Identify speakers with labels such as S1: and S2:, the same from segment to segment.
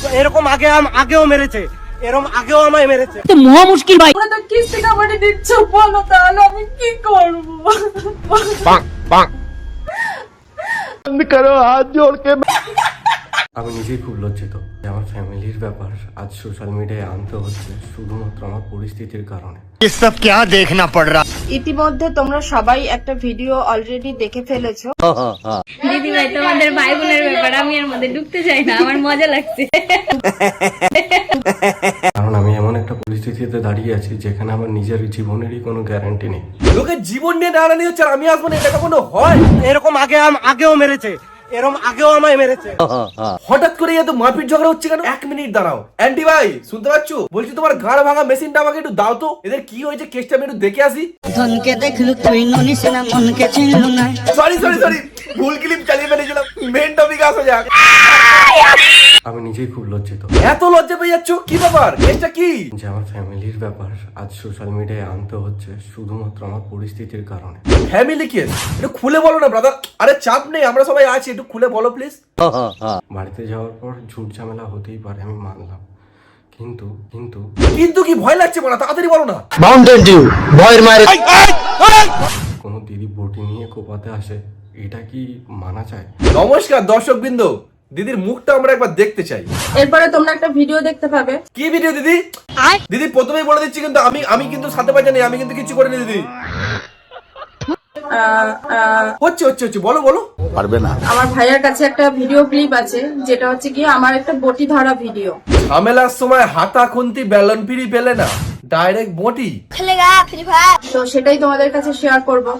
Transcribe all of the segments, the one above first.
S1: এরকম আগেও মেরেছে, এরকম আগেও আমায় মেরেছে।
S2: তো মহা মুশকিল ভাই।
S3: তোমরা তো কিস্তি কামাতে দিচ্ছ, বলো তাহলে আমি কি করবো?
S1: আমি নিজেই খুব লজ্জিত যে আমার ফ্যামিলির ব্যাপার আজ সোশ্যাল মিডিয়ায় আনতে হচ্ছে শুধুমাত্র আমার পরিস্থিতির কারণে।
S4: ये सब क्या देखना पड़ रहा।
S5: ইতিমধ্যে তোমরা সবাই একটা ভিডিও অলরেডি দেখে ফেলেছো।
S6: দিদি ভাই তোমাদের ভাই বোনের ব্যাপার আমি এর মধ্যে ঢুকতে চাই না, আমার মজা লাগছে।
S1: কারণ আমি এমন একটা পরিস্থিতিতে দাঁড়িয়ে আছি যেখানে আমার নিজের জীবনেরই কোনো গ্যারান্টি নেই।
S7: লোকের জীবন নিয়ে দাঁড়ানি হচ্ছে আর আমি আসবো না, এটা কোনো হয়?
S1: এরকম আগেও মেরেছে, এরকম আগেও আমায় মেরেছে।
S7: হঠাৎ করে এত মারপিট ঝগড়া হচ্ছে কেন? 1 মিনিট দাঁড়াও। অ্যান্টি ভাই শুনতে পাচ্ছ? বলছি তোমার ঘাড় ভাঙা মেশিনটা আমাকে একটু দাও তো, এদের কি হয়েছে কেসটা আমি একটু দেখে আসি।
S2: ধনকে দেখলু তুই ননিস না, মনকে চিনলু না।
S7: সরি ভুল ক্লিপ চালিয়ে ফেলেছিলাম। মেন টপিকে আসা যাক।
S1: আমি নিজেই খুব লজ্জিত
S7: এত লজ্জা পেয়ে যাচ্ছ, কি ব্যাপার? কেসটা কি?
S1: যে আমার ফ্যামিলির ব্যাপার আজ সোশ্যাল মিডিয়ায় আনতে হচ্ছে শুধুমাত্র আমার পরিস্থিতির কারণে।
S7: Family case? একটু খুলে বলো না ব্রাদার। আরে চাপ নেই, আমরা সবাই আছি, একটু খুলে বলো প্লিজ।
S1: বাড়িতে যাওয়ার পর ঝুট ঝামেলা হতেই পারে, আমি মানলাম, কিন্তু
S7: কিন্তু কি ভয় লাগছে বলা, তাড়াতাড়ি বলো না।
S4: माउंटेन ड्यू ভয়ের মারে
S1: কোনো দিদি বটি নিয়ে কোপাতে আসে, এটা কি মানা চায়?
S7: নমস্কার দর্শকবৃন্দ, দিদির মুখটা আমরা একবার দেখতে চাই।
S3: এরপরে তোমরা একটা ভিডিও দেখতে পাবে।
S7: কি ভিডিও দিদি? দিদি প্রথমেই বলে দিচ্ছি কিন্তু আমি কিন্তু সাথে পাচ্ছি না, আমি কিন্তু কিছু করিনি দিদি। হচ্ছে বলো।
S4: পারবে না।
S3: আমার ভাইয়ের কাছে একটা ভিডিও ক্লিপ আছে, যেটা হচ্ছে কি আমার একটা বটি ধরা ভিডিও।
S7: ঝামেলার সময় হাতা খুন্তি ব্যালন ফিরি পেলে না, ডাইরেক্ট বটি।
S3: তো সেটাই তোমাদের কাছে শেয়ার করব।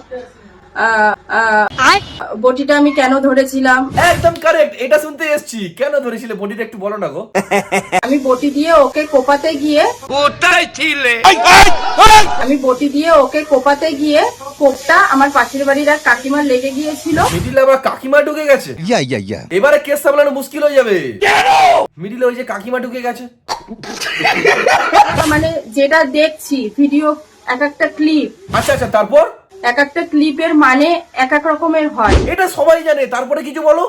S3: বটিটা আমি কেন ধরেছিলাম?
S7: একদম কারেক্ট, এটা শুনতে এসেছি। কেন ধরেছিলে বটিটা একটু বলো না গো।
S3: আমি বটি দিয়ে ওকে কোপাতে গিয়ে কোপটা আমার পাশের বাড়ির এক কাকিমার লেগে গিয়েছিল।
S7: মিডিলে আবার কাকিমা ঢুকে গেছে।
S4: ইয়া
S7: এবারে কেস সামলানো মুশকিল হয়ে যাবে। মিডিলে ওই যে কাকিমা ঢুকে গেছে।
S3: মানে যেটা দেখছি ভিডিও, এক একটা ক্লিপ,
S7: আচ্ছা তারপর
S3: এক একটা ক্লিপের মানে এক এক রকমের হয়।
S7: এটা সবাই জানে, তারপরে কিছু বলো।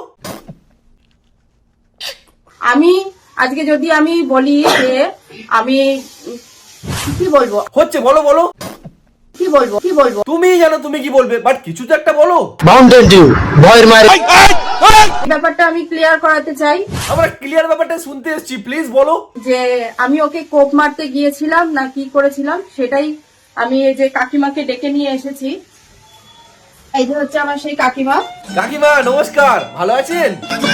S3: আমি আজকে যদি আমি বলি যে আমি কি বলবো,
S7: হচ্ছে বলো।
S3: কি বলবো
S7: তুমিই জানো তুমি কি বলবে, বাট কিছু তো একটা বলো।
S4: মাউন্টেন ডিউ ভয়ের মারে
S3: ব্যাপারটা আমি ক্লিয়ার করাতে চাই।
S7: আমরা ক্লিয়ার ব্যাপারটা শুনতে এসেছি, প্লিজ বলো।
S3: যে আমি ওকে কোপ মারতে গিয়েছিলাম না কি করেছিলাম, সেটাই আমি এই যে কাকিমাকে ডেকে নিয়ে এসেছি। এই যে হচ্ছে আমার সেই কাকিমা।
S7: কাকিমা নমস্কার, ভালো আছেন?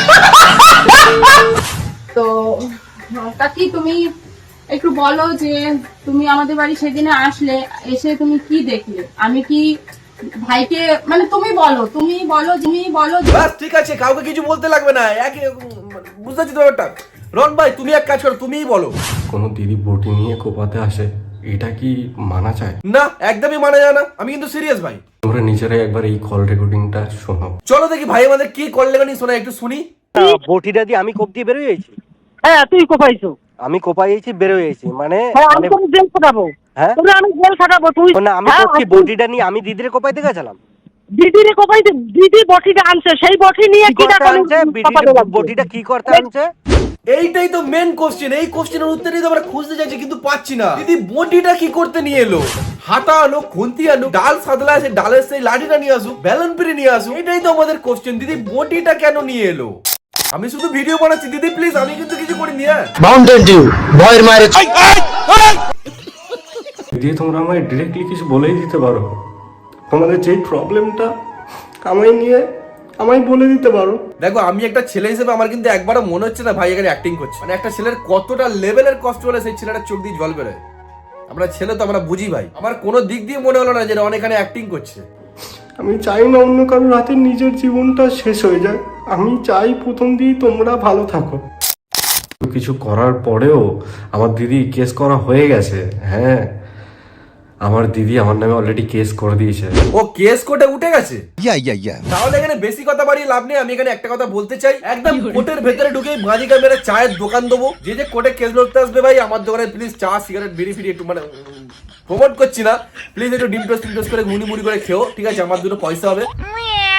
S3: তো কাকি, তুমি একটু বলো যে তুমি আমাদের বাড়ি সেদিনে আসলে, এসে তুমি কি দেখলে? আমি কি ভাইকে, মানে তুমি বলো।
S7: বাস ঠিক আছে, কাউকে কিছু বলতে লাগবে না, বুঝতে পারছি তো ব্যাপারটা। রন ভাই তুমি এক কাজ করো, তুমিই বলো।
S1: কোনো দিদি বটি নিয়ে কোপাতে আসে, এটা কি মানা চায়?
S7: না, একদমই মানা যায় না। আমি কিন্তু সিরিয়াস ভাই।
S1: তোমরা নিজেরাই একবার এই কল রেকর্ডিংটা শোনো।
S7: চলো দেখি ভাই আমাদের কি কল রেকর্ডিং শোনা, একটু শুনি।
S1: বটিটা দিয়ে আমি কোপ দিয়ে বেরোয় গেছি।
S2: হ্যাঁ তুই কোপাইছো।
S1: আমি কোপাইছি, বেরোয় গেছি, মানে
S2: আমি তো জেল খাটাবো।
S1: হ্যাঁ
S2: আমি জেল খাটাবো। তুই
S1: না, আমি কোপছি বটিটা নিয়ে, আমি দিদিরে কোপাইতে গেছিলাম।
S2: দিদিরে কোপাইতে, দিদি বটিটা আনছে, সেই বটি নিয়ে
S1: কি করতে আনছে? বটিটা কি করতে আনছে?
S7: এইটাই তো মেন কোশ্চেন। এই কোশ্চেনের উত্তরই তো আমরা খুঁজতে যাচ্ছি কিন্তু পাচ্ছি না। দিদি বটিটা কি করতে নিয়ে এলো? হাতা আনো, খুন্তি আনো, ডাল সাদলা আছে, ডালের সেই লাঠিটা নিয়ে আসুক, ব্যালন পেরে নিয়ে আসুক, এটাই তো আমাদের কোশ্চেন। দিদি বটিটা কেন নিয়ে এলো? আমি শুধু ভিডিও বানাচ্ছি দিদি, প্লিজ, আমি কিন্তু কিছু করিনি।
S4: মাউন্টেন ডিউ ভয়ের মারে
S1: দিয়ে তোমরা আমায় ডিরেক্টলি কিছু বলেই দিতে পারো, তোমাদের যে প্রবলেমটা আমায় বলে দিতে পারো।
S7: দেখো, আমি একটা ছেলে হিসেবে আমার কিন্তু একবারও মনে হচ্ছে না ভাই এখানে অ্যাক্টিং করছে। মানে একটা ছেলের কতটা লেভেলের কষ্ট হলে সেই ছেলেটার চোখ দিয়ে জল বেরোয়। আমরা ছেলে তো আমরা বুঝি ভাই। আমার কোনো দিক দিয়ে মনে হলো না যে অনেক এখানে অ্যাক্টিং করছে।
S1: আমি চাই না অন্য কারোর হাতে নিজের জীবনটা শেষ হয়ে যায়। আমি চাই প্রথম দিয়ে তোমরা ভালো থাকো। কিছু করার পরেও আমার দিদি কেস করা হয়ে গেছে। হ্যাঁ, আমার দিদি আমার নামে অলরেডি কেস করে দিয়েছে।
S7: ও কেস কোর্টে উঠে গেছে?
S4: ইয়া
S7: তাহলে এখানে বেশি কথা বাড়িয়ে লাভ নেই। আমি এখানে একটা কথা বলতে চাই, একদম কোর্টের ভেতরে ঢুকে মাঝিকা মেরে চায়ের দোকান দেবো। যে কোর্টে কেস লড়তে আসবে ভাই, আমার দোকানে প্লিজ চা, সিগারেট, বিড়ি ফিরি একটু, মানে প্রমোট করছি না, প্লিজ একটু ডিম টোস্ট করে মুড়ি করে খেও, ঠিক আছে? আমার দুটো পয়সা হবে।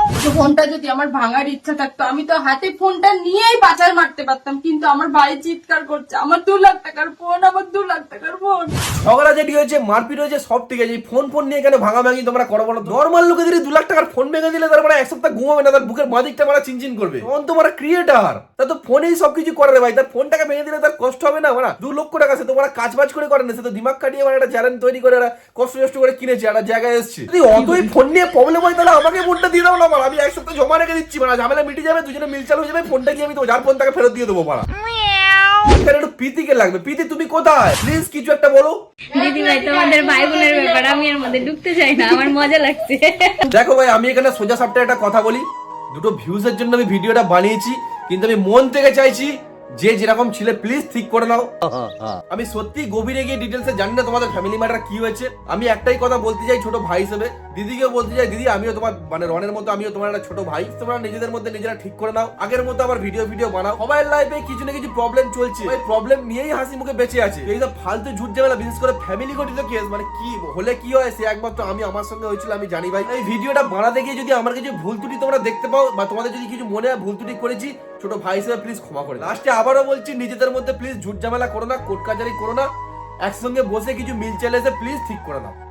S3: ফোনটা যদি আমার ভাঙার ইচ্ছা থাকতো আমি তো হাতে ফোনটা নিয়েই পাচার মারতে পারতাম, কিন্তু আমার ভাই চিৎকার করছে আমার 2 লাখ টাকার ফোন, আমার 2 লাখ টাকার ফোন।
S7: ঝগড়া যেটি হয়েছে, মারপিট হয়েছে, সব ঠিক আছে, এই ফোন নিয়ে কেন ভাঙাভাঙি তোমরা করো বলো? নর্মাল লোকে যদি 2 লাখ টাকার ফোন ভেঙে দিলে তার মানে 1 সপ্তাহ ঘুমাবে না, তার বুকের বাদিকটা মারা চিনচিন করবে। তখন তোমার ক্রিয়েটার, তা তো ফোনেই সবকিছু করে রে ভাই। তার ফোনটাকে ভেঙে দিলে তার কষ্ট হবে না? মানে 2 লক্ষ টাকা সে তোমরা কাজ বাজ করে করেন, সে তো দিমাগ কাটিয়ে একটা চ্যানেল তৈরি করে কষ্ট করে কিনেছে, একটা জায়গায় এসছে। যদি অতই ফোন নিয়ে প্রবলেম হয় তাহলে আমাকে ফোনটা দিয়ে দাও না, আমি 1 সপ্তাহ জমা রেখে দিচ্ছি, মানে ঝামেলা মিটে যাবে, দুজনে মিল চালু হয়ে যাবে, ফোনটা গিয়ে আমি তো যার ফোন তাকে ফেরত দিয়ে দেবো। পাড়া এখানে একটু প্রীতিকে লাগবে। প্রীতি তুমি কোথায়? প্লিজ কিছু একটা বলো।
S6: দিদি ভাই তোমাদের ভাই বোনের ব্যাপার, আমি এর মধ্যে ঢুকতে চাই না, আমার মজা লাগছে।
S7: দেখো ভাই, আমি এখানে সোজা সাপটা একটা কথা বলি, দুটো ভিউজের জন্য আমি ভিডিওটা বানিয়েছি, কিন্তু আমি মন থেকে চাইছি যে যেরকম ছিলে প্লিজ ঠিক করে নাও। আমি সত্যি গভীরে গিয়ে ডিটেলসে জানি না তোমাদের ফ্যামিলি ম্যাটার কি হয়েছে। আমি একটাই কথা বলতে চাই ছোট ভাই হিসেবে, দিদিকেও বলতে চাই, দিদি আমিও তোমার মানে রনের মতো আমিও তোমার একটা ছোট ভাই, তোমরা নিজেদের মধ্যে নিজেরা ঠিক করে নাও, আগের মতো আবার ভিডিও বানাও। সবাই লাইফে কিছু না কিছু প্রবলেম চলছে, ওই প্রবলেম নিয়েই হাসি মুখে বেঁচে আছে। এই সব ফালতু ঝুট ঝামেলা, বিশেষ করে ফ্যামিলি গঠিত কেস, মানে কি হলে কি হয় সে একমাত্র আমার সঙ্গে হয়েছিল আমি জানি ভাই। এই ভিডিওটা বানাতে গিয়ে যদি আমার কিছু ভুল ত্রুটি তোমরা দেখতে পাও বা তোমাদের যদি কিছু মনে হয় ভুল ত্রুটি করেছি, ছোট ভাই হিসেবে প্লিজ ক্ষমা করে। লাস্টে আবারও বলছি, নিজেদের মধ্যে প্লিজ ঝুট ঝামেলা করো না, কোর্ট কাচারি করো না, একসঙ্গে বসে কিছু মিল চলে এসে প্লিজ ঠিক করে নাও।